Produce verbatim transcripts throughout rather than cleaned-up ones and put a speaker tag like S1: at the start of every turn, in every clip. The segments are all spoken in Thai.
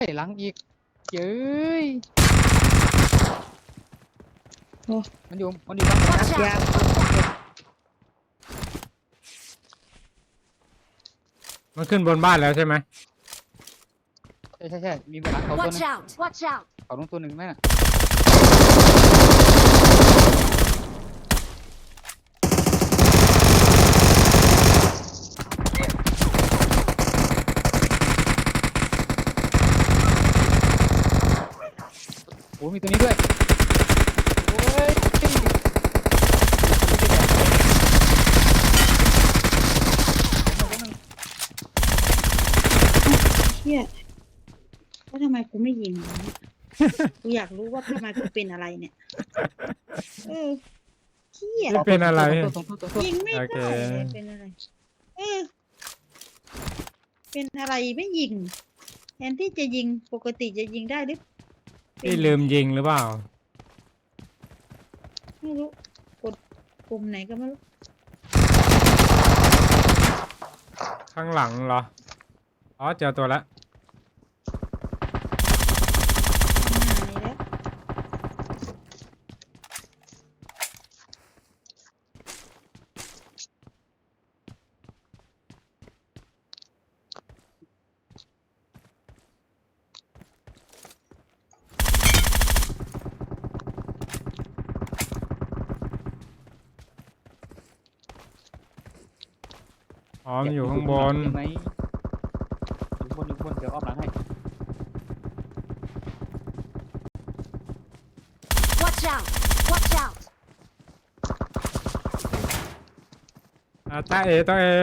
S1: หลังอีกเย้ยมันอยู่มันอยู่หลัง
S2: Watch
S3: ยา
S2: out!
S4: มันขึ้นบนบ้านแล้วใช่ไหม
S1: ใช่ใช่ใช่มีบนหลังเขาตัว
S2: Watch
S1: นึง
S2: out! Watch out!
S1: เขาลงตัวหนึ่งไหมน่ะโอ้มีตัวนี้ด้วยโอ้ย
S3: เชี่ยว่าทำไมกูไม่ยิงวะเนี่ย กูอยากรู้ว่าทำไมกูเป็นอะไรเนี่ย เออเชี่ย
S4: ไม่เป็นอะไร
S1: ตรงตัวตรงตัว
S3: ยิงไม่
S4: โอเค
S3: ได้เลยเป็นอะไร เออ เป็นอะไรไม่ยิง แทนที่จะยิงปกติจะยิงได้หรือเป็น
S4: พี่ลืมยิงหรือเปล่า
S3: ไม่รู้ กดปุ่มไหนก็ไม่รู้
S4: ข้างหลังเหรอ อ๋อเจอตัวแล้ว
S3: มานี่แล้ว
S4: อ๋อมันอยู่ข้างบน
S1: ใช่ไหมอยู่บนอยู่บนเดี๋ยวอ้อมหลังให้
S2: Watch out! Watch out!
S4: อ่าตาเอตัวเอง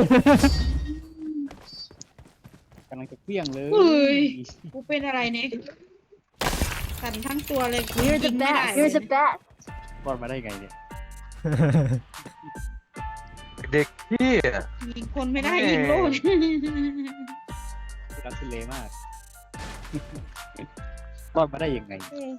S1: กำลังจะเปี้ยงเลย
S3: เฮ้ย กูเป็นอะไรเนี่ยสั่นทั้งตัวเลย
S2: You're
S3: ยิ
S2: the
S3: งไม่ได้
S2: best.
S3: เล
S2: You're
S3: ย
S2: the best.
S1: รอดมาได้ไงเนี่ย
S5: เด็กพี่
S3: ยิงคนไม่ได้
S5: แม่
S3: ยิงโลด
S1: รักทุเลมาก รอดมาได้ยังไง
S3: เออ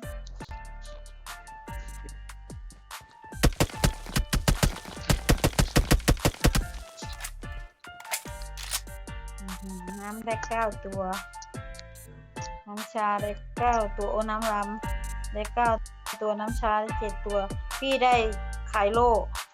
S3: อื้อหือน้ำได้เก้าตัว น้ำชาได้เก้าตัวโอ้น้ำรำได้เก้าตัวน้ำชาได้เจ็ดตัว พี่ได้ไข่โล